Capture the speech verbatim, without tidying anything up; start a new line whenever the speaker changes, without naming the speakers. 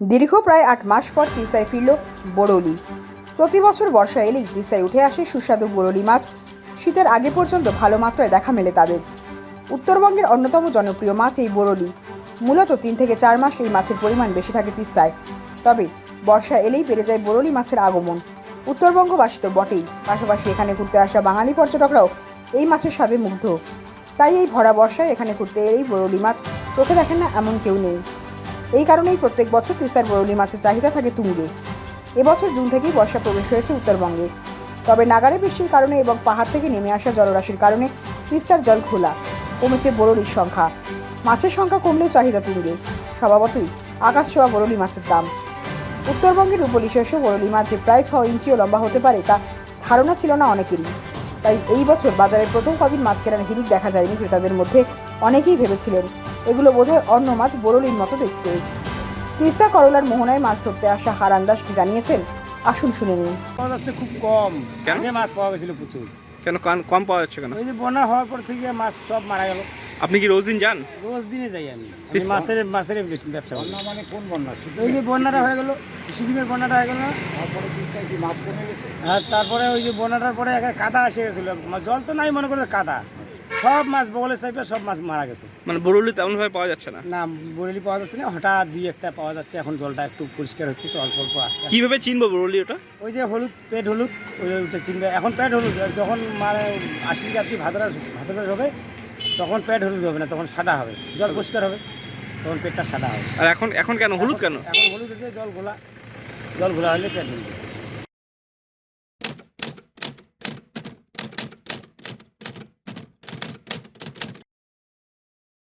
দীর্ঘ প্রায় আট মাস পর তিস্তায় ফিরল বরৌলি। প্রতি বছর বর্ষা এলেই তিস্তায় উঠে আসে সুস্বাদু বরৌলি মাছ। শীতের আগে পর্যন্ত ভালো মাত্রায় দেখা মেলে তাদের। উত্তরবঙ্গের অন্যতম জনপ্রিয় মাছ এই বরৌলি। মূলত তিন থেকে চার মাস এই মাছের পরিমাণ বেশি থাকে তিস্তায়। তবে বর্ষা এলেই বেড়ে যায় বরৌলি মাছের আগমন। উত্তরবঙ্গবাসী তো বটেই, পাশাপাশি এখানে ঘুরতে আসা বাঙালি পর্যটকরাও এই মাছের স্বাদে মুগ্ধ। তাই এই ভরা বর্ষায় এখানে ঘুরতে এলেই বরৌলি মাছ চোখে দেখেন না এমন কেউ নেই। এই কারণেই প্রত্যেক বছর তিস্তার বরৌলি মাছের চাহিদা থাকে তুঙ্গে। এবছর জুন থেকেই বর্ষা প্রবেশ হয়েছে উত্তরবঙ্গে। তবে নাগারে বৃষ্টির কারণে এবং পাহাড় থেকে নেমে আসা জলরাশির কারণে তিস্তার জল খোলা, কমেছে বরৌলির সংখ্যা। মাছের সংখ্যা কমলেও চাহিদা তুঙ্গে। স্বভাবতই আকাশ ছোঁয়া বরৌলি মাছের দাম। উত্তরবঙ্গের উপলিশেষ বরৌলি মাছ যে প্রায় ছ ইঞ্চিও লম্বা হতে পারে তা ধারণা ছিল না অনেকেরই। তাই এই বছর বাজারে প্রথম কদিন মাছ কেনার হিড়িক দেখা যায়নি ক্রেতাদের মধ্যে। অনেকেই ভেবেছিলেন এগুলো বোধহয় অন্য মাছ, বরৌলির মতো দেখতে। তিস্তা করলার মোহনায় মাছ ধরতে আসা হারান দাস জানিয়েছেন, আসুন শুনে নিন।
পাওয়া যাচ্ছে খুব কম।
কেন?
আগে মাছ পাওয়া গেছিল প্রচুর।
কেন কান- কম পাওয়া যাচ্ছে কেন?
ওই যে বন্যা হওয়ার পর থেকে মাছ সব মারা গেল।
আপনি কি রোজ দিন যান?
রোজ দিনে যাই আমি। আমি
তিস্তা?
মাছের মাছের বেশি ব্যবসা করি।
বন্যা মানে কোন বন্যা?
ওই যে বন্যাটা হয়ে গেল, সিকিমের বন্যাটা হয়ে গেল না?
তারপরে তিস্তায় কি মাছ কমে গেছে?
আর তারপরে ওই যে বন্যাটার পরে এখানে কাদা এসে গেছিলো। জল তো নাই, মনে করছে কাদা। সব মাছ বগলের চাইপে সব মাছ মারা গেছে।
মানে বরৌলি তেমন ভাবে পাওয়া যাচ্ছে না।
না, বরেলি পাওয়া যাচ্ছে না। হঠাৎ দুই একটা পাওয়া যাচ্ছে। এখন জলটা একটু পরিষ্কার হচ্ছে তো, অল্প অল্প আসছে।
কিভাবে চিনবো বরৌলি ওটা?
ওই যে হলুদ, পেট হলুদ, ওই ওইটা চিনবে। এখন পেট হলুদ, আর যখন মানে আশি যাত্রী ভাদরা ভাদরা হবে তখন পেট হলুদ হবে না, তখন সাদা হবে। জল পরিষ্কার হবে, তখন পেটটা সাদা হবে।
আর এখন এখন কেন হলুদ কেন?
এখন হলুদ হচ্ছে জল ঘোলা, জল ঘোলা হলে পেট হলুদ।